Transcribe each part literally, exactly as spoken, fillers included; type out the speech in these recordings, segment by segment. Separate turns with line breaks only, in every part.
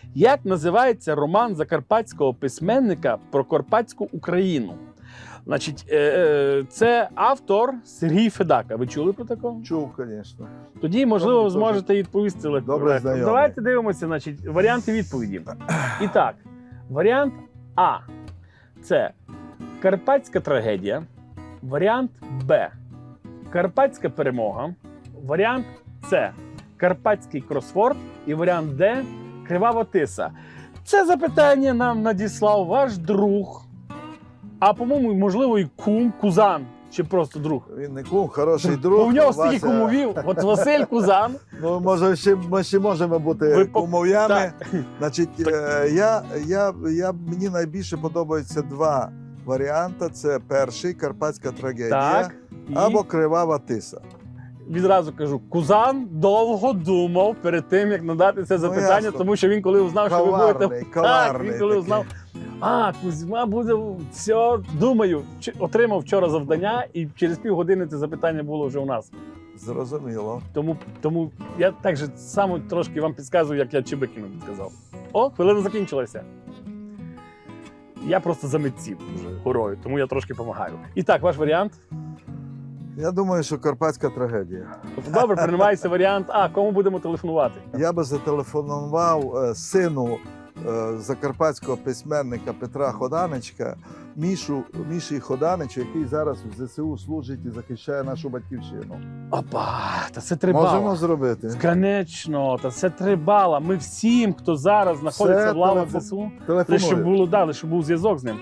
Як називається роман закарпатського письменника про Карпатську Україну? Значить, це автор Сергій Федака. Ви чули про такого?
Чув, звісно.
Тоді, можливо, ви
Добре,
зможете відповісти легко.
Добре знайомий.
Давайте дивимося, значить, варіанти відповіді. І так, варіант А – це Карпатська трагедія. Варіант Б – Карпатська перемога. Варіант С – Карпатський кросворд. І варіант Д – Кривава тиса. Це запитання нам надіслав ваш друг, а, по-моєму, можливо, і кум, кузан, чи просто друг.
Він не кум, хороший друг.
Бо в нього стільки
Вася.
кумовів. От Василь Кузан.
Ну, може, ще, ми ще можемо бути
Ви по-
кумов'ями.
Так.
Значить, е, я, я, я, мені найбільше подобаються два варіанти. Це перший, Карпатська трагедія,
Так. І
або Кривава тиса.
відразу кажу, Кузан довго думав перед тим, як надати це запитання,
ясно.
тому що він коли узнав, що ви
Коварний,
будете... Так,
коварний
він коли
такий.
узнав, а, Кузьма буде, все, думаю, Ч- отримав вчора завдання, і через півгодини це запитання було вже у нас.
Зрозуміло.
Тому, тому я так же само трошки вам підказую, як я Чебикіну підказав. О, хвилина закінчилася. Я просто за митців вже горою, тому я трошки допомагаю. І так, ваш варіант?
Я думаю, що Карпатська трагедія.
Тобто, добре, приймається варіант А. Кому будемо телефонувати?
Я би зателефонував е, сину е, закарпатського письменника Петра Ходаничка, Мішу, Міші Ходаничу, який зараз в ЗСУ служить і захищає нашу батьківщину.
Опа, та це три
Можемо
бала.
зробити.
Конечно, та це три бала. Ми всім, хто зараз знаходиться
Все,
в лавах
телефон-
ЗСУ, лише щоб
Телефоную.
було, да, лише щоб був зв'язок з ним.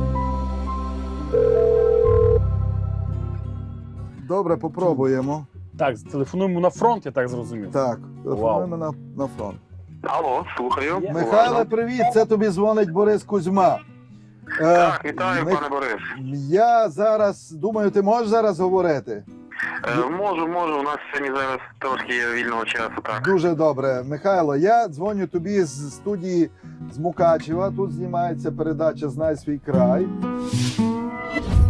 Добре, попробуємо.
Так, телефонуємо на фронт, я так зрозумів.
Так, телефонуємо на, на фронт.
Алло, слухаю.
Є.
Михайле, привіт! Це тобі дзвонить Борис Кузьма. Е,
Так, вітаю,
Мих-
пане Борис.
Я зараз, думаю, ти можеш зараз говорити?
Е, можу, можу, у нас сьогодні зараз трошки є вільного часу, так.
Дуже добре. Михайло, я дзвоню тобі з студії з Мукачева. Тут знімається передача «Знай свій край».